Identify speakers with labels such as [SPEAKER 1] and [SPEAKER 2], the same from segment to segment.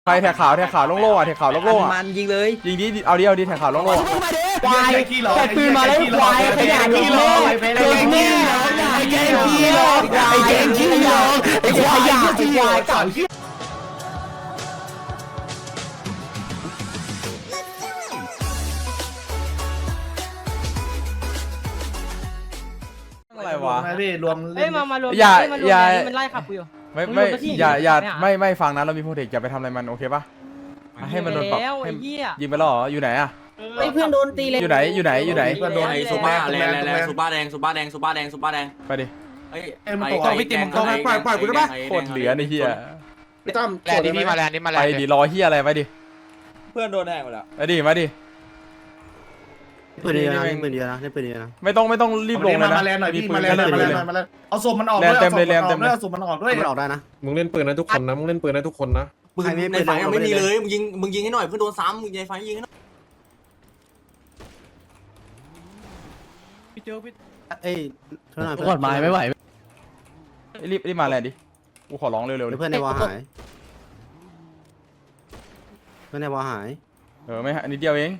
[SPEAKER 1] ใครแถกขาวโล่งๆอ่ะแถกขาวโล่งๆอ่ะ
[SPEAKER 2] มันยิงเลย
[SPEAKER 1] ยิงดิเอาดิแถกขาวโล่งๆอ่ะ
[SPEAKER 3] ควายแต่ปืนมาแล้วควายขยันขี้โลกเก่งแม่ไอ้เก่งขี้โลกไอ้เก่งขี้โลกไอ้ควายไอ้ควายเก่า
[SPEAKER 1] อะไรวะ
[SPEAKER 4] พี่รวม
[SPEAKER 5] เฮ้ยมารวม
[SPEAKER 1] อย่า
[SPEAKER 5] มันไล่ขับกูอยู่
[SPEAKER 1] อย่าไม่ฟังนะเรามีโปรเทคอย่าไปทำอะไรมันโอเคปะให้มันโดนปรับ
[SPEAKER 5] แล้วไอ้เหี้ย
[SPEAKER 1] ยิงไปแล้วเหรออยู่ไหนอ่ะ
[SPEAKER 2] ไอ้เพื่อนโดนตีเลย
[SPEAKER 1] อยู่ไหน
[SPEAKER 4] เพื่อนโดนไอ้
[SPEAKER 6] ซูบ้าแรงซูบ้าแดงซูบ้าแดงซูบ้าแดงซูบ้าแดง
[SPEAKER 1] ไปดิ
[SPEAKER 6] เฮ้ย
[SPEAKER 4] มันตกพี่ติมมันตกปล่อยกูได้ปะ
[SPEAKER 1] โคตรเหลือในเฮีย
[SPEAKER 4] พี่ต้อม
[SPEAKER 7] แลนด์นี่มาแลนด์นี่มาแล
[SPEAKER 1] ไป
[SPEAKER 7] นด์
[SPEAKER 1] ดิรอเฮียอะไรไปดิ
[SPEAKER 2] เพื่อนโดนแทงหมดแล้ว
[SPEAKER 1] ไปดิมาดิ
[SPEAKER 8] ปืนเดียวนะปืนเดียวนะปืนเดียวนะ
[SPEAKER 1] ไม่ต้องรีบลงเลยนะ
[SPEAKER 4] มาแลนหน่อยพี่มาแลนมาแลนเอาศพมันออกด้วยเอาศพมันออกด้วย
[SPEAKER 8] มันออกได้นะ
[SPEAKER 9] มึงเล่นปืนนะทุกคนนะมึงเล่นปืนนะทุกคนนะ
[SPEAKER 6] ปืนในไฟไม่มีเลยมึงยิงให้หน่อยเพื่อนโดนซ้ำมึงในไฟยิงให้หน่อย
[SPEAKER 8] เอ้ยเท่าไหร่
[SPEAKER 3] กดไม้ไม่ไหว
[SPEAKER 1] รีบมาแลนดิกูขอร้องเร็วๆดิ
[SPEAKER 8] เพื่อนในวอหายเพื่อนในวอหาย
[SPEAKER 1] ไม่นิดเดียวเอง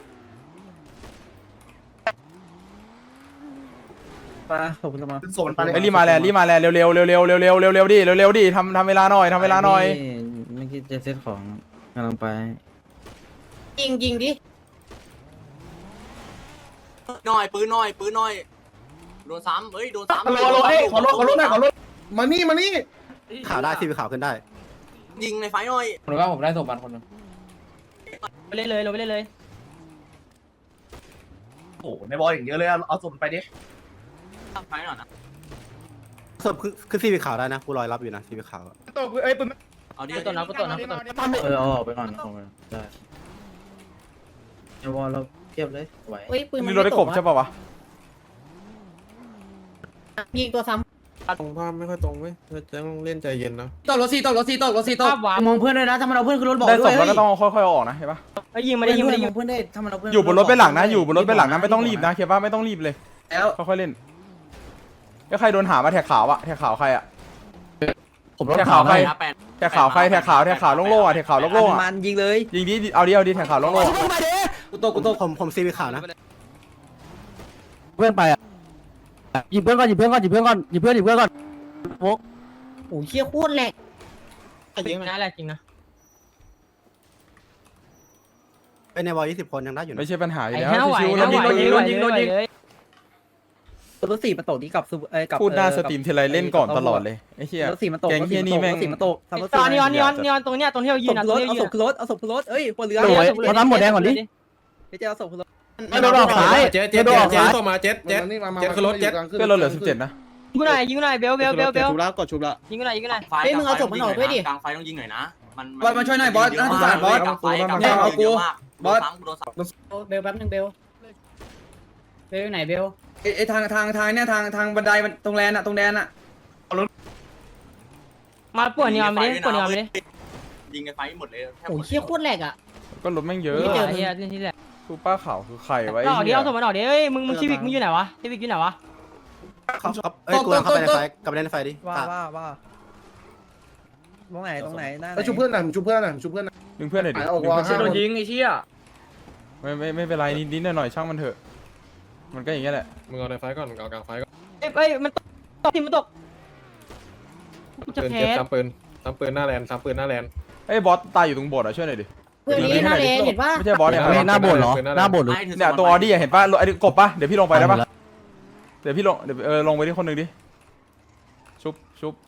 [SPEAKER 2] ปะขอบคุณสมา
[SPEAKER 4] ศพมันไป
[SPEAKER 1] รีบมาแลนเร็วดิทำเวลาหน่อย
[SPEAKER 2] เมื่อกี้จะเซตของกำลังไปยิงดิ
[SPEAKER 6] หน่อยปืนหน่อยโดนซ้ำเฮ้ยโดนซ้ำ
[SPEAKER 4] ขอรถหน่อยขอรถมานี่
[SPEAKER 8] ข่าวได้ทีวีข่าวขึ้นได้
[SPEAKER 6] ยิงในไฟหน่อย
[SPEAKER 2] ผมว่าผมได้สมบัติคนนึง
[SPEAKER 5] ไปเลยลงไปเลย
[SPEAKER 4] โอ้ในบอลอย่างเยอะเลยเอาศพไปดิ
[SPEAKER 6] ไฟหน่อยนะ
[SPEAKER 8] ศพคือทีวีข่าวได้นะกูรอยรับอยู่นะทีวีข่าว
[SPEAKER 4] ตกเอ้ยปืน
[SPEAKER 6] เอาดิ
[SPEAKER 5] กูตัวนะ
[SPEAKER 2] เอาออกไปก่อนเอาไปได้เดี๋ยวเราเทียบเลยไหว
[SPEAKER 1] นี่รถได้กบใช่ป่าวะ
[SPEAKER 2] ยิงตัวซ้
[SPEAKER 9] ตรงภาพไม่ค่อยตรงเว้ยต้องเล่นใจเย็นนะ
[SPEAKER 2] ำตกรถสี่ตก
[SPEAKER 5] ภาพวาร์ป
[SPEAKER 2] มองเพื่อนด้วยนะถ้ามันเอาเพื่อนขึ้นรถบอก
[SPEAKER 1] ได้
[SPEAKER 2] ด้
[SPEAKER 1] ศ
[SPEAKER 2] วย
[SPEAKER 1] พแล้วก็ต้องค่อยๆออกนะเห็นปะ
[SPEAKER 5] ไอ้ยิงมาได้ยิง
[SPEAKER 2] มองเพื่อนได้ถ้ามันเอาเพื่อน
[SPEAKER 1] อยู่บนรถไปหลังนะไม่ต้องรีบนะเคป่ะไม่ต้องรีบเลย
[SPEAKER 2] แล้ว
[SPEAKER 1] ค่อยๆเล่นแล้วใครโดนหามาแถกขาวอะแถกขาวใครอะ
[SPEAKER 3] ผมรถ
[SPEAKER 1] แถก
[SPEAKER 3] ขา
[SPEAKER 1] ขาว วใคร
[SPEAKER 6] แปด
[SPEAKER 1] แถกขาวใครแถกขาวโล่งๆอ่ะแถกขาวโล่งๆอ่ะ
[SPEAKER 2] มันยิงเลย
[SPEAKER 1] ยิงดิเอาดิแถกขาวโล่งๆอ่ะ
[SPEAKER 2] กูตก
[SPEAKER 8] ผมทีวีข่าวนะ
[SPEAKER 3] เพื่อนไปอ่ะหยิบเพื่อนก่อนโว้
[SPEAKER 2] โอ้เชี่ยโคตรแหลก
[SPEAKER 5] จริงนะแหละจริงนะ
[SPEAKER 8] เป็นในวอ20 คนยังได้อยู่นะ
[SPEAKER 1] ไม่ใช่ปัญหาอยู่
[SPEAKER 5] ไอ้
[SPEAKER 1] แล้ว
[SPEAKER 5] แค่ไหว
[SPEAKER 1] ชิวๆ
[SPEAKER 5] นะ
[SPEAKER 1] แล้วยิง
[SPEAKER 5] เลย
[SPEAKER 2] รถสี่มันตกนี่กับกับ
[SPEAKER 1] พูดหน้าสตรีมทีไรเล่นก่อนตลอดเลยไอ้เหี้ย
[SPEAKER 2] รถสี่มันตก
[SPEAKER 1] แกงเหี้ยนี่แม่ง
[SPEAKER 2] รถสี่มันตก
[SPEAKER 5] ตอนนีออนตรงเนี้ยตรงที่เรายืนนะตรงที่เรายืน
[SPEAKER 2] เอาศพขึ้นรถเอ้ยคนเรือ
[SPEAKER 3] เราทำหมดแดงก่อนดิ
[SPEAKER 2] พี่เจ้าศพขึ้นรถ
[SPEAKER 3] ไม่โดนออกซ้าย
[SPEAKER 9] เจ๊ต่อมาเจ๊คือรถเจ๊
[SPEAKER 1] เพื่อนเราเหลือ17นะ
[SPEAKER 5] ยิงกูหน่อยเบลยิงกูหน่อยยิงกูหน่อย
[SPEAKER 6] กลางไฟต้องยิงหน่อยนะมันช่วยหน่อยบอสนะทุกคนบอสกลางไฟเอากูบอสโดนซ้ำ
[SPEAKER 2] เบลแป๊บนึงเบลอยู่ไหนเบล
[SPEAKER 10] ไอ้ทางเนี่ยทางบันไดมันตรงแลนอะตรงแดนอะ
[SPEAKER 5] มาปวดนีออนไปดิปวดนีออนไปดิ
[SPEAKER 6] ยิงในไฟหมดเลย
[SPEAKER 2] โอ้เชี่ยโคตรแหลกอ่ะ
[SPEAKER 1] ก็รถแม่งเยอะ
[SPEAKER 5] ไม่เจอเฮียที่แหละ
[SPEAKER 1] ซูป้าขาวคือใครวะ
[SPEAKER 5] ออกดิเอาสมบัติออกดิเฮ้ยมึงชีวิตมึงอยู่ไหนวะชีวิตอยู่ไหนวะ
[SPEAKER 8] เขาเอ้ยกูเข้าไปในไฟกลับไปในไฟดิ
[SPEAKER 2] ว่าตรงไหนหน้าไหน
[SPEAKER 4] ชุบเพื่อนหน่อยชุบเพื่อนหน่อย
[SPEAKER 1] ดึงเพื่อนหน่อยดิ
[SPEAKER 10] โดนยิงไอ้เชี่ย
[SPEAKER 1] ไม่เป็นไรนิดๆหน่อยๆช่างมันเถอะมันก็อย่างเงี้ยแหละ
[SPEAKER 9] มึงเอาในไฟก่อนเอากลางไฟก่อน
[SPEAKER 5] เอ้ยมันตกมันตกจะ
[SPEAKER 9] ปืน
[SPEAKER 5] แพ้
[SPEAKER 9] เจ็บซ้ำปืนหน้าแลนซ้ำปืนหน้าแลน
[SPEAKER 1] ไอ้บอสตายอยู่ตรงโบสถ์อ่ะช่วยหน่อยดิ
[SPEAKER 2] เพื่อนนี้หน้าเลนเห็นป่ะ
[SPEAKER 1] ไม่ใช่บอสเนี่ย
[SPEAKER 3] หน้าโบดเหรอหน้าโบดหรือ
[SPEAKER 1] เนี่ยตัวออดี้เห็นป่ะไอ้กบป่ะเดี๋ยวพี่ลงไปได้ป่ะเดี๋ยวพี่ลงไปที่คนหนึ่งดิชุบ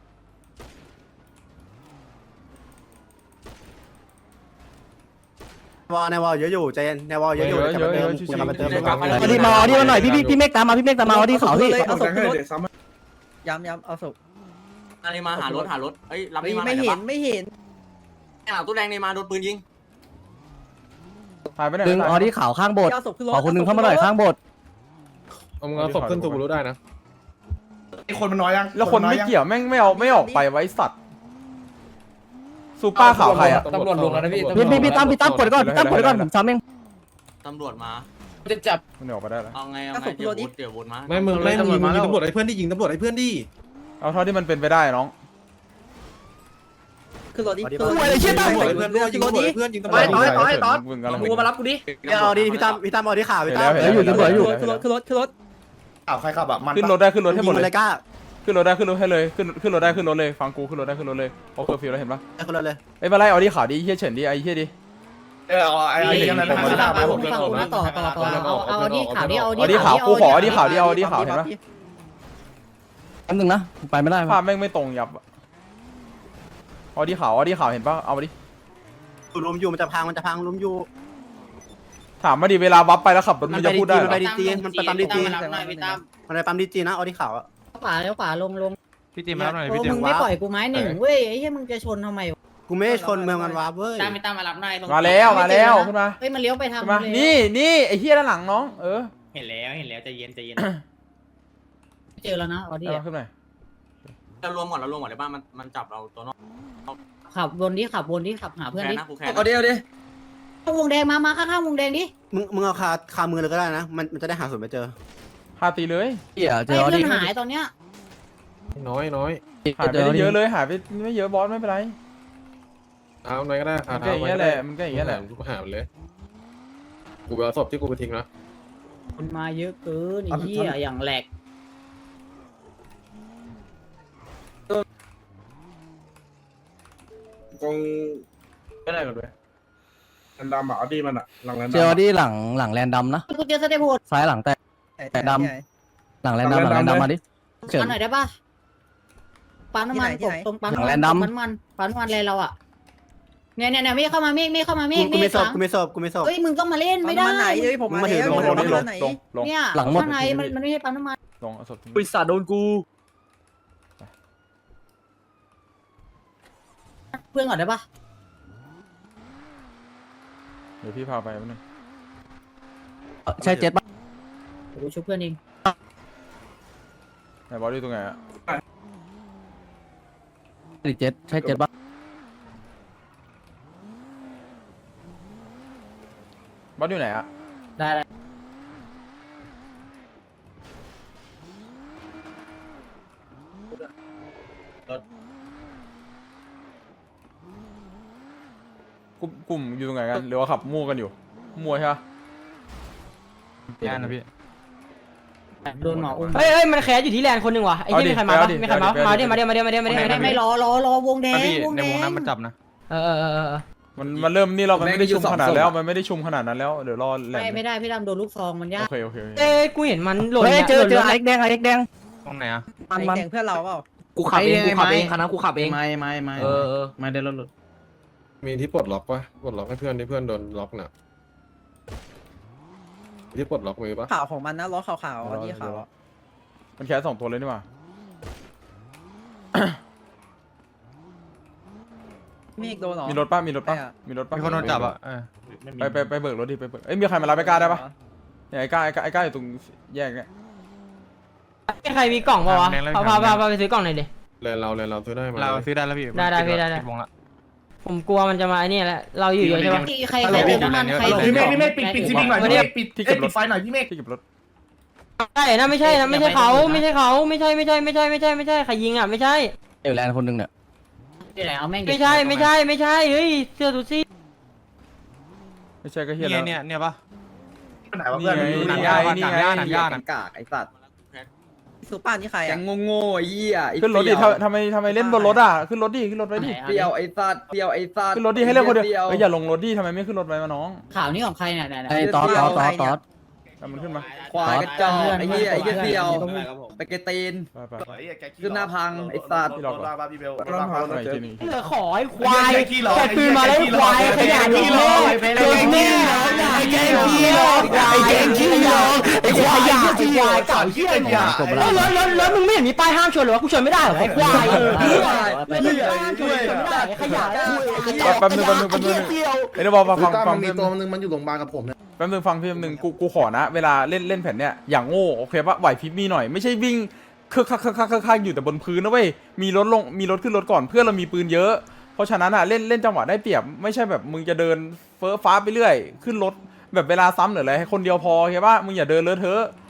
[SPEAKER 8] ในวอเยอะอยู่ใจเย็นในวอเยอะอยู่กลับมาเติม
[SPEAKER 3] เอาดิมาเอาดิมาหน่อยพี่เมฆตามมาเอาดิเขาพี่
[SPEAKER 2] เอาศพขึ้นรถย้ำเอาศพ
[SPEAKER 6] อะไรมาหารถเอ้ยรับ
[SPEAKER 2] ไม่เห็น
[SPEAKER 6] หลังตู้แดงในมาโดนปืนยิง
[SPEAKER 1] ตายไปไหน
[SPEAKER 3] ดึงเอาดิข่าวข้างโบสถ์
[SPEAKER 2] เอาศพขึ้นรถ
[SPEAKER 3] ขอคนนึงเข้ามาหน่อยข้างโบสถ์
[SPEAKER 9] เอามึงเอาศพขึ้นตูรู้ได้นะ
[SPEAKER 4] ไอ้คนมันน้อยยัง
[SPEAKER 1] แล้วคนไม่เกี่ยวแม่งไม่ออกไปไว้สัตว์ซูป้าขาวใครอ่ะ
[SPEAKER 10] ตำรวจลงแล้วนะพี่
[SPEAKER 3] พี่ตั้มกดก่อนผมซ้ำเอง
[SPEAKER 6] ตำรวจมา
[SPEAKER 10] จะจับ
[SPEAKER 1] มันออกไปได้แล้ว
[SPEAKER 6] เอาไงเดี๋ยววนมา
[SPEAKER 9] ไม่มึงยิงตำรวจไอ้เพื่อนดิยิงตำรวจไอ้เพื่อนดิ
[SPEAKER 1] เอาเท่าที่มันเป็นไปได้น้อง
[SPEAKER 5] ขึ้นรถดิ
[SPEAKER 8] เอาดิ
[SPEAKER 5] ขึ้นรถ
[SPEAKER 3] อะไรเชี่ยตายหมด
[SPEAKER 8] เพื่อนยิงเพื่อนยิงตำร
[SPEAKER 4] ต่
[SPEAKER 8] ว
[SPEAKER 4] อย
[SPEAKER 8] จ
[SPEAKER 4] ต่อยต่อย
[SPEAKER 1] มึงกำลัง
[SPEAKER 10] กูมารับกูดิ
[SPEAKER 8] เอาดิพี่ตั้มเอาที่ข่าวพี่ตั้ม
[SPEAKER 1] เห็นแล้ว
[SPEAKER 5] ขึ้นรถขึ้นรถขึ้นรถขึ้นรถ
[SPEAKER 4] อ้าวใครขับอะมัน
[SPEAKER 1] ขึ้นรถได้ขึ้นรถให้หมด
[SPEAKER 8] ยิง
[SPEAKER 1] เล
[SPEAKER 8] เลย ยกล้า
[SPEAKER 1] ขึ้นรถได้ขึ้นรถให้เลยขึ้นรถได้ขึ้นรถเลยฟังกูขึ้นรถได้ขึ้นรถเลยโอเคฟิลแล้วเห็นปะ
[SPEAKER 8] ไอ้คนละเลย
[SPEAKER 1] เอ้ยมาไล่เอาดิข่าวดิเฮียเฉินดิไอ้เฮียดิ
[SPEAKER 4] ไอ้ยังไง
[SPEAKER 5] ฟัง
[SPEAKER 4] ไม่ได้ไปผม
[SPEAKER 5] กูนะต่อเอาที่ข่าวดิเอา
[SPEAKER 1] เอาดิข่าวกูขอเอาดิข่าวดิเอาดิข่าวเห็นปะ
[SPEAKER 3] อันหนึ่งนะไปไม่ได้
[SPEAKER 1] ภาพแม่งไม่ตรงยับเอาดิข่าวเห็นปะเอามาดิ
[SPEAKER 8] ลุมอยู่มันจะพังลุมอยู่
[SPEAKER 1] ถามมาดิเวลาวับไปแล้วขับรถมันจะพูดได้เหรอ
[SPEAKER 8] มันไปดีจีมันไปปั๊มดีจี
[SPEAKER 10] รับหน่อยพี่ตั้ม
[SPEAKER 8] มันไปปั๊มดีจีนะเอาที่ข่าวอะ
[SPEAKER 5] ขวาแล้วขวาลง
[SPEAKER 3] พี่ตีมาหน่อย
[SPEAKER 5] โอ้มึงไม่ปล่อยกูไม้หนึ่งเว้ยไอ้เหี้ยมึงจะชนทำไม
[SPEAKER 8] กูไม่ได้ชนเมืองมันวาเว้ย
[SPEAKER 10] ตั้มพี่ตั้มมารับหน่อย
[SPEAKER 1] มาแล้วขึ้นมา
[SPEAKER 5] เฮ้ยมันเลี้ยวไปทาง
[SPEAKER 1] ขึ้นมานี่ไอ้เฮียด้านหลังน้อง
[SPEAKER 10] เห็นแล้วใจเย็น
[SPEAKER 5] เจอแล้วนะเอาดิ
[SPEAKER 1] เอาขึ้นหน่อย
[SPEAKER 6] เรารวมก่อนเลยบ้านมันจับเราตัวนอก
[SPEAKER 5] ขับวนดิขับหาเพื่อน
[SPEAKER 6] แค่
[SPEAKER 5] ดิ
[SPEAKER 6] นะกูแค่
[SPEAKER 10] เอาดิเอาดิ
[SPEAKER 5] วงแดงมาข้างๆวงแดงดิ
[SPEAKER 8] มึงเอาคามือเลยก็ได้นะมันจะได้หาส่วนไปเจอ
[SPEAKER 1] พาตีเลย
[SPEAKER 3] เดี๋ยวเจ
[SPEAKER 5] เฮ้ย
[SPEAKER 3] อ
[SPEAKER 5] เพื่
[SPEAKER 3] ดิ
[SPEAKER 5] อนหายตอนเนี้ย
[SPEAKER 9] น้อย
[SPEAKER 1] หายไปได้เยอะเลยหายไปไม่เยอะบอสไม่เป็นไร
[SPEAKER 9] เท้าหน่อยก็ได้
[SPEAKER 1] มันก็อย่างเงี้ยแหละมันก็อย่างเงี้ยแหละ
[SPEAKER 9] กูหามันเลยกูไปเอาศพที่กูไปทิ้งนะ
[SPEAKER 5] มันมาเยอะเกินไอ้เหี้ยอย่างแหลก
[SPEAKER 4] กอง
[SPEAKER 1] ไม่ได้กันด้วย
[SPEAKER 4] อันดำอ่ะดีมันอ่ะหลังนั้น
[SPEAKER 3] เจอดิหลังแลนดำนะ
[SPEAKER 5] กูเจอสเตปโหด
[SPEAKER 3] ซ้ายหลังแต่ดำหลังแลนดำมาดิเฉิน
[SPEAKER 5] มาหน่อยได้ป่ะปั๊มน้ำมันตรงปั๊ม
[SPEAKER 3] หลังแลนดำ
[SPEAKER 5] ปั๊มน้ำมันเลยเราอ่ะเนี่ยไม่เข้ามาไม่เข้ามาไม่
[SPEAKER 8] กูไม่สอบ
[SPEAKER 5] เฮ้ยมึงต้องมาเล่นไม่ได้
[SPEAKER 8] มึงมาถือ
[SPEAKER 1] ลงลง
[SPEAKER 5] เนี่ย
[SPEAKER 3] หลังหมด
[SPEAKER 5] ข้างในมันไม่ใช่ปั๊มน้ำมัน
[SPEAKER 1] ลงเอาศพ
[SPEAKER 3] บริษัทโดนกู
[SPEAKER 5] เพื่อนก่อนได้ป่ะ
[SPEAKER 1] เดี๋ยวพี่พาไปแป๊บนึง
[SPEAKER 3] ใช่เจ็ดป่ะ
[SPEAKER 5] กูช่วยเพื่อนเอง
[SPEAKER 1] ไหนบอสอยู่ตรงไหนอะ
[SPEAKER 3] เจ็ดใช่เจ็ดป่ะ
[SPEAKER 1] บอสอยู่ไหนอะ
[SPEAKER 5] ได้
[SPEAKER 1] กลุ่มอยู่ตรงไหนกันหรือว่าขับมั่วกันอยู่มั่วใช่ปะ
[SPEAKER 3] งานนะพี่
[SPEAKER 5] โดนหมออุ้ม
[SPEAKER 7] เฮ้ยมันแคสอยู่ที่แลนด์คนหนึ่งว่ะไอ้ที่มีใครมาปะมีใครมาดิมา
[SPEAKER 5] ไม่รอวงแดงวงแดง
[SPEAKER 7] เออ
[SPEAKER 1] มันเริ่มนี่เรามันไม่ได้ชุมขนาดแล้วมันไม่ได้ชุมขนาดนั้นแล้วเดี๋ยวรอแหลม
[SPEAKER 5] ไม่ได้พี่ดำโดนลูกซองมันยาก
[SPEAKER 1] โอเค
[SPEAKER 7] เอ้กูเห็นมันหล่น
[SPEAKER 3] เฮ้ยเจอ
[SPEAKER 7] หล่น
[SPEAKER 3] ไอ้แดงตรงไหนอ่ะมัน
[SPEAKER 5] แดงเพื่อนเราเปล่า
[SPEAKER 3] กูขับเองคณะกูขับเอง
[SPEAKER 10] ไม่
[SPEAKER 2] ไม่ได้รถหลุด
[SPEAKER 9] มีที่ปลดล็อกปะปลดล็อกให้เพื่อนที่เพื่อนโดนล็อกน่ะที่ปลดล็อกมือปะ
[SPEAKER 5] ข่าวของมันนะล้อขาวๆที่ขาว
[SPEAKER 1] มันแค่2 ตัวเลยนี่หว่า
[SPEAKER 5] เมฆโดนหรอ
[SPEAKER 1] มีรถป่ะมีคนโดนจับอ่ะไปเบิกรถดิไปเบิกมีใครมารับไอ้ก้าได้ปะเนี่ยไอ้ก้าอยู่ตรงแยกเนี่ย
[SPEAKER 7] ใครมีกล่องป่าวะพาไปซื้อกล่องหน่อยดิ
[SPEAKER 9] แลนเราซื้อได้ไหม
[SPEAKER 3] เราซื้อได้แล้วพี่
[SPEAKER 7] ได้ผมกลัวมันจะมาไอ้นี่แหละเราอยู่เยอะใช่ปะ
[SPEAKER 5] ใครเติมน้ำมันใคร
[SPEAKER 4] พี่เมฆปิดซีบิงหน่อยพี่เมฆปิดไฟหน่อยพี่เมฆ
[SPEAKER 1] ที่เก็บรถ
[SPEAKER 7] ใช่นะไม่ใช่เขาไม่ใช่ใครยิงอ่ะไม่ใช่
[SPEAKER 3] เอลแลนด์คนหนึ่งเนี่ย
[SPEAKER 5] ที่ไหนเอาแม่ง
[SPEAKER 7] ไม่ใช่เฮ้ยเสื้อตูซี่
[SPEAKER 1] ไม่ใช่ก็เฮียแล้ว
[SPEAKER 3] เนี่ยปะ
[SPEAKER 4] ไหนวะเพื่อน
[SPEAKER 1] นี่ไง
[SPEAKER 10] กากไอ้สัตว์
[SPEAKER 5] สุป้านี่ใคร
[SPEAKER 10] แก
[SPEAKER 5] อ่ะ
[SPEAKER 10] งโง่ไอ้เหี้ย
[SPEAKER 1] ขึ้นรถดิทำไมเล่นบนรถอ่ะขึ้นรถไว้ดิ
[SPEAKER 10] เปรี้ยวไอ้สัตว์
[SPEAKER 1] ขึ้นรถดิให้เล่นคนเดียวอย่าลงรถดิทำไมไม่ขึ้นรถไว้มาน้อง
[SPEAKER 5] ข่าวนี้ของใครเนี่ย
[SPEAKER 3] ไอ้ตอด
[SPEAKER 1] มันขึ้นมา
[SPEAKER 10] ควายกระจอกไอ้เหี้ยไอ้เหี้ยเปรี้ยวไปเกตีน
[SPEAKER 1] ไป
[SPEAKER 10] ขึ้นหน้าพังไอ้สัตว์
[SPEAKER 4] รถบ้าพี่เบลรถบ้า
[SPEAKER 1] อีกทีนึง
[SPEAKER 7] เหลือขอไอ้ควายแต่ปืนมาแล้วควายขยะดีโลโดนแน่ไอ้แกงขี้หลอกไอ้แกงขี้หลอกไอ้ควายขยะไอ้ควายเก่าเหี้ยแล้วมึงไม่เห็นมีป้ายห้ามชนหรอวะกูชนไม่ได้หรอไอ้ควายไม่ได้ห้ามชนไม่ได้ขยะ
[SPEAKER 1] แป๊บนึงไอ้เดี๋ยวบอกฟัง
[SPEAKER 4] มีตัวนึงมันอยู่โรงพยาบาลกับผมเนี่ย
[SPEAKER 1] แป๊บนึงฟังพี่แป๊บนึงกูขอนะเวลาเล่นแผ่นเนี้ยอย่างโง่โอเคปะไหวพริบมีหน่อยไม่ใช่วิ่งคักอยู่แต่บนพื้นนะเว้ยมีรถขึ้นรถก่อนเพื่อนเรามีปืนเยอะเพราะฉะนั้นอ่ะเล่นจังหวะได้เปรียบไม่ใช่แบบมึงจะเดินเฟ้อฟ้าไปเรื่อยขึ้นรถแบบเวลาซ้ำหรืออะไรให้คนเดียวพอโอเคปะมึงอย่าเดินเลอะเทอะ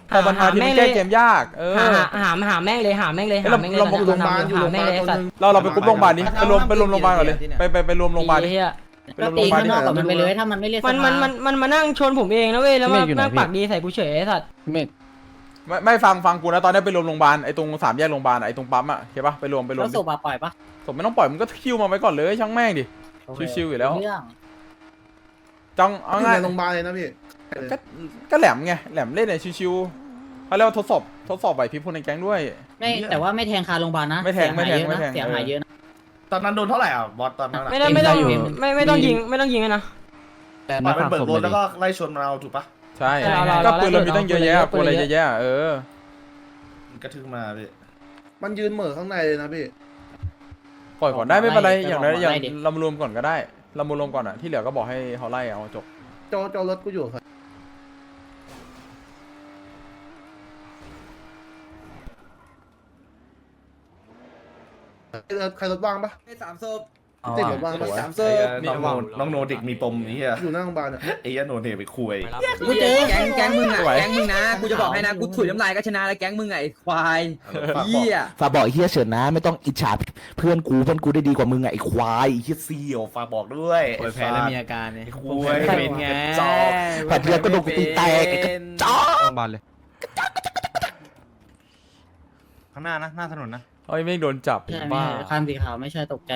[SPEAKER 1] พอมันมาทีมันแก้เกมยาก
[SPEAKER 7] หาแม่งเลยหาแม่งเลยหาแม่งเลย
[SPEAKER 1] เราไปกรุ๊ปโรงพยาบาลนี้ไปรวมโรงพยาบาลก่อนเลยไปรวมโรงพยาบาลดิ
[SPEAKER 5] ก็ตีข้างนอกกับมันไปเลยถ้ามันไม่เล่น
[SPEAKER 7] มันมานั่งชนผมเองนะเว้ยแล้วมานั่งปากดีใส่กูเฉยไอ้สัตว์
[SPEAKER 1] ไม่ฟังกูนะตอนนี้ไปรวมโรงพยาบาลไอ้ตรง3 แยกโรงพยาบาลไอ้ตรงปั๊มอ่ะเข้าปะไปรวม
[SPEAKER 5] แล้วศพปล่อยปะ
[SPEAKER 1] ศพไม่ต้องปล่อยมึงก็คิวมาไว้ก่อนเลยช่างแม่งดิชิวๆอยู่แล้ว
[SPEAKER 5] เรื่อง
[SPEAKER 1] จังเอาง่าย
[SPEAKER 4] ในโรงพยาบาลเลยนะพี่
[SPEAKER 1] ก็แหลมไงแหลมเล่นในชิวๆเขาเรียกว่าทดสอบไหวพริบคนในแก๊งด้วย
[SPEAKER 5] ไม่แต่ว่าไม่แทงคาโรงพยาบาลนะ
[SPEAKER 1] ไม่แทง
[SPEAKER 5] เสียหายเยอะนะ
[SPEAKER 4] ตอนนั้นโดนเท่าไหร่อ่ะบอสตอนนั้น
[SPEAKER 7] ไม่ต้องยิงนะ
[SPEAKER 4] ปล่อยมันเบิกรถแล้วก็ไล่ชนเราถูกปะ
[SPEAKER 1] ใช่ก็ปืนเรามีตั้งเยอะแยะปืนอะไรเยอะแยะ
[SPEAKER 4] กระทึกมาพี่มันยืนเหม่อข้างในเลยนะพี่
[SPEAKER 1] ปล่อยก่อนได้ไม่เป็นไรอย่างไรอย่างเรามารวมก่อนก็ได้เรามารวมก่อนอ่ะที่เหลือก็บอกให้เขาไล่เอาจบ
[SPEAKER 4] โจรถกูอยู่ครับใครรถว่างปะ
[SPEAKER 10] 3ศพ
[SPEAKER 4] ติดรถว่างปะ
[SPEAKER 10] 3ศพ
[SPEAKER 4] น้องโนเด็กมีปมนี้อ่ะอยู่หน้าโรงพยาบาลอ่ะไอ้ยันโนเด็กไปคุย
[SPEAKER 10] กูเจอแก๊งมึงอ่ะแก๊งมึงนะกูจะบอกให้นะกูถุยน้ำลายก็ชนะแล้วแก๊งมึงไงควายเหี้ย
[SPEAKER 3] ฝากบอกไอ้เฮียเฉินนะไม่ต้องอิจฉาเพื่อนกูได้ดีกว่ามึงไอ้ควายไอ้เฮีย
[SPEAKER 4] เสี่ยวฝากบอกด้วยแพ้แล้วมีอาการเนี่ยคุยเป็นไงจอก
[SPEAKER 3] แผดเลือดก็โดนกูตีแตกจ้า
[SPEAKER 8] บานเลย
[SPEAKER 4] ข้างหน้านะหน้าถนนนะ
[SPEAKER 1] เอ้ยไม่โดนจับ
[SPEAKER 5] ใช่
[SPEAKER 1] บ้า
[SPEAKER 5] คันสีขาวไม่ใช่ตกใจ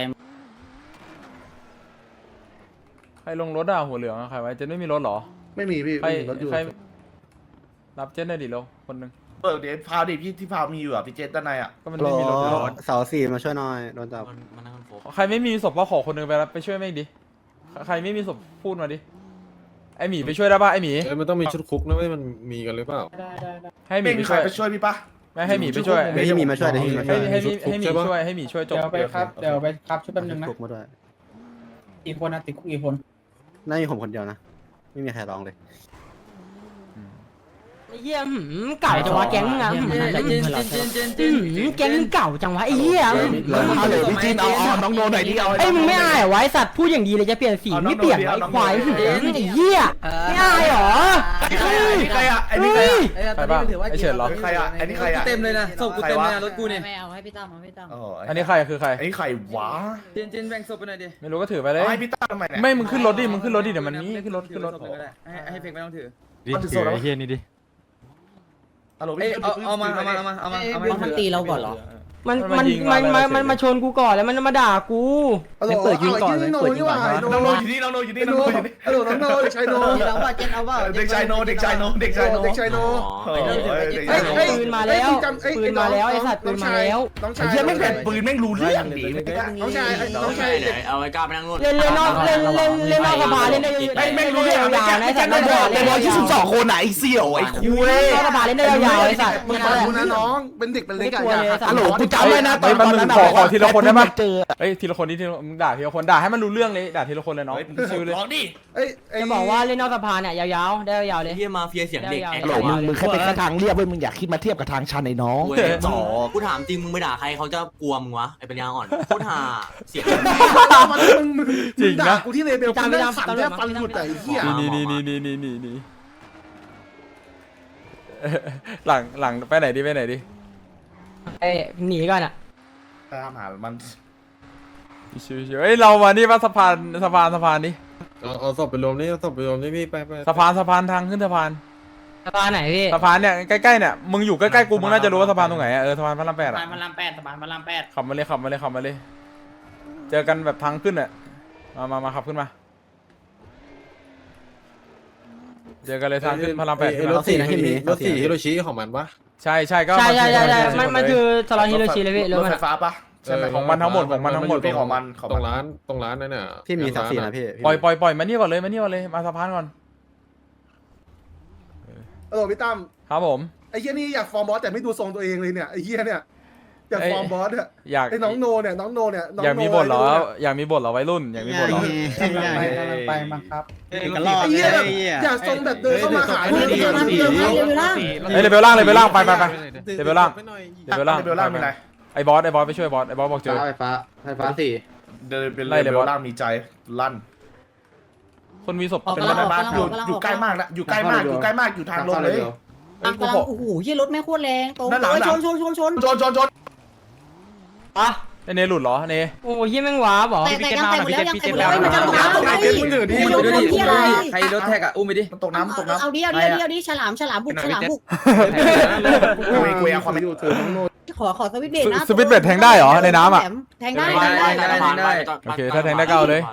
[SPEAKER 1] ใครลงรถอ่ะหัวเหลืองใครไว้เจนไม่มีรถหรอ
[SPEAKER 4] ไม่มีพี่
[SPEAKER 1] ใคร
[SPEAKER 4] ไม่มีรถอยู่
[SPEAKER 1] ใครรับเจนได้ดิเราคนนึง
[SPEAKER 4] เปิดเดี๋ยวพาวดิพี่ที่พาวมีอยู่อ่ะพี่เจด้านในอ่ะ
[SPEAKER 1] ก็มันไม่มีรถ
[SPEAKER 8] เสาสี่มาช่วยหน่อยโดนจับ
[SPEAKER 1] ใครไม่มีศพว่าขอคนนึงไปรับไปช่วยแม่งดิใครไม่มีศพพูดมาดิไอหมีไปช่วยได้ป่ะไอหมี
[SPEAKER 9] มันต้องมีชุดคุกนะเว้ยมันมีกันหรือเปล่า
[SPEAKER 1] ให้หมี
[SPEAKER 4] ไม่
[SPEAKER 1] ไป
[SPEAKER 4] มีใค
[SPEAKER 1] ช่
[SPEAKER 4] ร
[SPEAKER 1] วย
[SPEAKER 4] ไปช่วยพี่ปะ
[SPEAKER 1] ไม่ให้หมีไปช่วย
[SPEAKER 8] เดี๋ยวให้หมีมาช่วยเดี๋ยวให้หมีมาช่วย
[SPEAKER 1] ให้หมีช่วยจบ
[SPEAKER 5] เดี๋ยวไปครับช่วยแป๊บนึงนะ
[SPEAKER 8] คุกมาด้วย
[SPEAKER 5] กี่คนนะติดคุกกี่คน
[SPEAKER 8] น่ามีผมคนเดียวนะไม่มีใครร้องเลย
[SPEAKER 7] ไอ้เหี้ยเก่าจังวะแก๊งมึงอ่ะแก๊งมึงเก่าจังวะไอ้เหี้ย
[SPEAKER 3] เอาเลยพี่จีนเอาน้องโนหน่อยดิเอา
[SPEAKER 7] ไอ้มึงไม่อายเหรอวะไอ้สัตว์พูดอย่างดีเลยจะเปลี่ยนสีไม่เปลี่ยนไอ้ควายไอ้เหี้ยไม่อายเหรอ
[SPEAKER 4] ไอ้นี่ใครอ่ะไอ้นี่ใครอ่ะ
[SPEAKER 1] ใครบ้างไอเฉินเหรอ
[SPEAKER 4] ใครอ่ะไอ้นี่ใครอ่ะ
[SPEAKER 10] เต็มเลยนะศพกูเต็มเลยนะรถกูเนี่ย
[SPEAKER 5] ไม่เอาให้พี่ตั้มให้พี่ตั้ม
[SPEAKER 1] อันนี้ใครคือใคร
[SPEAKER 4] ไอ้นี่ใครวะ
[SPEAKER 10] เจนแบ่งศพไปหน่อยดิ
[SPEAKER 1] ไม่รู้ก็ถือไปเลย
[SPEAKER 4] ให้พี่ตั้มทำไมเนี่ย
[SPEAKER 1] ไม่มึงขึ้นรถดิเดี๋ยวมันนี้ขึ้นรถ
[SPEAKER 10] ให้เพกไม่ต้องถือ
[SPEAKER 4] ถือไอ้เฮียนี่ดิฮัลโหล
[SPEAKER 10] เอ้
[SPEAKER 4] พี่
[SPEAKER 10] เอามา
[SPEAKER 5] มันตีเราก่อนเหรอ
[SPEAKER 7] มันมาชนกูก่อนแล้วมันมาด่ากู
[SPEAKER 8] เปิดยิงก่อนเลยเปิดยิงก่อน
[SPEAKER 4] น้องโนอยู่นี่น้องโนอยู่นี่น้องโนอยู่นี่ฮัลโหลน้องโนเด็กชายโน
[SPEAKER 5] เราว่าเจ็ดเอาว่า
[SPEAKER 4] เด็กชายโนเด็กชายโนเด็กชายโนเด็กชายโน
[SPEAKER 7] ปืนมาแล้วไอ้สัตว์ปืนมาแล้ว
[SPEAKER 4] น้องชาย
[SPEAKER 3] เฮียไม่งแบบปืนแม่งรู้เรื่องดิ
[SPEAKER 4] น้องชายน้องชาย
[SPEAKER 6] เอาไว้กล้าไปนั่งนู่น
[SPEAKER 7] เล่นนอกสภาเล่นได้ไม่รู้เรื่องยาวนะไอ้สัตว์
[SPEAKER 3] 122 คนไหนไอ้เสี่ยวไอ้คุย
[SPEAKER 7] นอกสภาเล่นได้ยาวไอ้สัตว์
[SPEAKER 4] มึงฟังกูนะน้องเป็นเด็กเป็นเล็กอะอย่า
[SPEAKER 3] ฮัลโหลกูจำได้นะตอน
[SPEAKER 1] มัน
[SPEAKER 3] นั้น
[SPEAKER 1] ขอทีละคนได้ปะ
[SPEAKER 3] เจอ
[SPEAKER 1] เอ้ยทีละคนนี่มึงด่าทีละคนด่าให้มันรู้เรื่องเลยด่าทีละคนเลยน้องชิวเลย
[SPEAKER 4] ร้องดิ
[SPEAKER 7] จะบอกว่าเล่นนอกสภาเนี่ยยาวๆได้ยาวเลย
[SPEAKER 6] เฮียมาเฟียเสียงเด็ก
[SPEAKER 3] ฮัลโหลมึงแค่เป็นแค่ทางเรียบเว้ยมึงอยากคิดมาเทียบกับทางชันไอ้น้อง
[SPEAKER 6] จ่อกูถามจริงมึงไปด่าใครเขาจะกลัวมึงวะไอ้ปัญญาอ่อนพูดหาเสียง
[SPEAKER 1] จริงนะ
[SPEAKER 4] กูที่เลเบลกูนั่งสั่นแทบฟันหลุดแต่ไอ้เหี้ย
[SPEAKER 1] นี่หลังไปไหนดิ
[SPEAKER 7] ไอ้หนีก่อนอ่ะ
[SPEAKER 4] ตามหามัน
[SPEAKER 1] ชิวๆเอ้ยเรามานี่ว่าสะพานนี่
[SPEAKER 9] เอาศพไปรวมนี่เอาศพไปรวมนี่พี่ไป
[SPEAKER 1] สะพานทางขึ้นสะพาน
[SPEAKER 7] สภาไหนพี่
[SPEAKER 1] สะพานเนี่ยใกล้ๆเนี่ยมึงอยู่ใกล้ๆกูมึงน่าจะรู้ว่าสะพานตรงไหนสะพานพระราม8
[SPEAKER 5] สะพานพระราม8สะพานพระราม
[SPEAKER 1] ขับมาเลยเจอกันแบบทางขึ้นอ่ะมาขับขึ้นมาเจอกันเลยทางขึ้นพระราม8
[SPEAKER 9] รถสี่ฮิโรชิของมันปะ
[SPEAKER 1] ใช่ก็
[SPEAKER 7] ใช่มันคือสลอนฮิโรชิเลยพี่
[SPEAKER 4] รถไฟฟ้าปะใช่ไหม
[SPEAKER 1] ของมันทั้งหมด
[SPEAKER 4] เป็นของมัน
[SPEAKER 9] ตรงร้านนั่นน่ะ
[SPEAKER 8] พี่มีสักสี่นะพี่
[SPEAKER 1] ปล่อยมานี่ก่อนเลยมาสะพานก่อน
[SPEAKER 4] ฮัลโหลพี่ตั้ม
[SPEAKER 1] ครับผม
[SPEAKER 4] ไอ้เหี้ยนี่อยากฟอร์มบอสแต่ไม่ดูทรงตัวเองเลยเนี่ยไอ้เหี้ยเนี่ยอยากฟอร์มบอสเนี่ย
[SPEAKER 1] อยาก
[SPEAKER 4] ไอ้น้องโนเนี่ย
[SPEAKER 1] อยากมีบทเหรอวัยรุ่นอยากมีบทเหรอ
[SPEAKER 5] ไปมาครับ
[SPEAKER 4] ไอ้เหี้ยอยากทรงแบบเดินเข้ามาหาเลย
[SPEAKER 1] เฮ้ยเลเวลล่างไปเลเวลล่างเลเวลล่าง
[SPEAKER 4] เบลล่างมีอะไร
[SPEAKER 1] ไอ้บอสไปช่วยบอสบอกเจอ
[SPEAKER 8] ไฟฟ้าสี่
[SPEAKER 4] เดินเป็นเลเวลล่างมีใจลั่น
[SPEAKER 1] คนมีศพ
[SPEAKER 5] ออก
[SPEAKER 1] เป็น
[SPEAKER 5] กำลัง
[SPEAKER 1] บ้าน
[SPEAKER 4] อยู่ใกล้มากนะอยู่ใกล้มากอยู่ทางลงเลย
[SPEAKER 1] เฮ้ยกู
[SPEAKER 7] กำลัง
[SPEAKER 1] ขอ
[SPEAKER 7] โอ้โหยี่รถแม่โคตรแรงตรง
[SPEAKER 4] ด้านหลัง
[SPEAKER 7] ชนชนชนชน
[SPEAKER 4] ชน
[SPEAKER 5] อ่ะ
[SPEAKER 1] ไอเนหลุดเหรอเน
[SPEAKER 5] โอ้ยเฮียแม่งว้าบอ
[SPEAKER 7] แต่ยังแต่หมดแล้วยังแต่หมดแล้วมันจะตกน้ำ
[SPEAKER 4] ตกน้ำ
[SPEAKER 7] เฮ้ย
[SPEAKER 4] มึงถือดิ
[SPEAKER 10] อุ้มมันด้วยดิใครรถแท็กอ่ะอุ้มไปดิ
[SPEAKER 4] มันตกน้ำตกน้ำ
[SPEAKER 7] เอาดิฉลามบุก
[SPEAKER 4] กูเอาความอยู่ถือน้องโน่
[SPEAKER 7] ขอสวิตช์เบรกนะ
[SPEAKER 1] สวิตช์เบรกแทงได้เหรอในน้ำอ่ะ
[SPEAKER 7] แทงได้
[SPEAKER 1] โอเคถ้าแทงได้ก็เอาเลย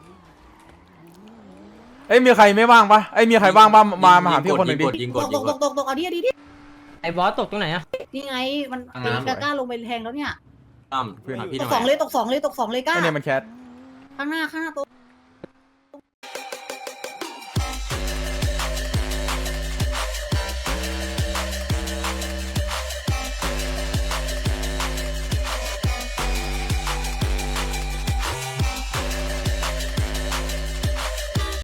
[SPEAKER 1] เอ้ยมีใครไม่ว่างปะเอ้ยมีใครว่างบ้างมาหาพี่คนหนึ่งดิ
[SPEAKER 7] ตกเอาดิ
[SPEAKER 5] ไอ้บอสตกตรงไหนอะ
[SPEAKER 7] นี่ไงมันกล้าลงไปแทงแล้วเนี่ย
[SPEAKER 6] ตั้มพี่
[SPEAKER 7] ตกสองเลยกล้า
[SPEAKER 1] ไอเนมันแคท
[SPEAKER 7] ข้างหน้าตัว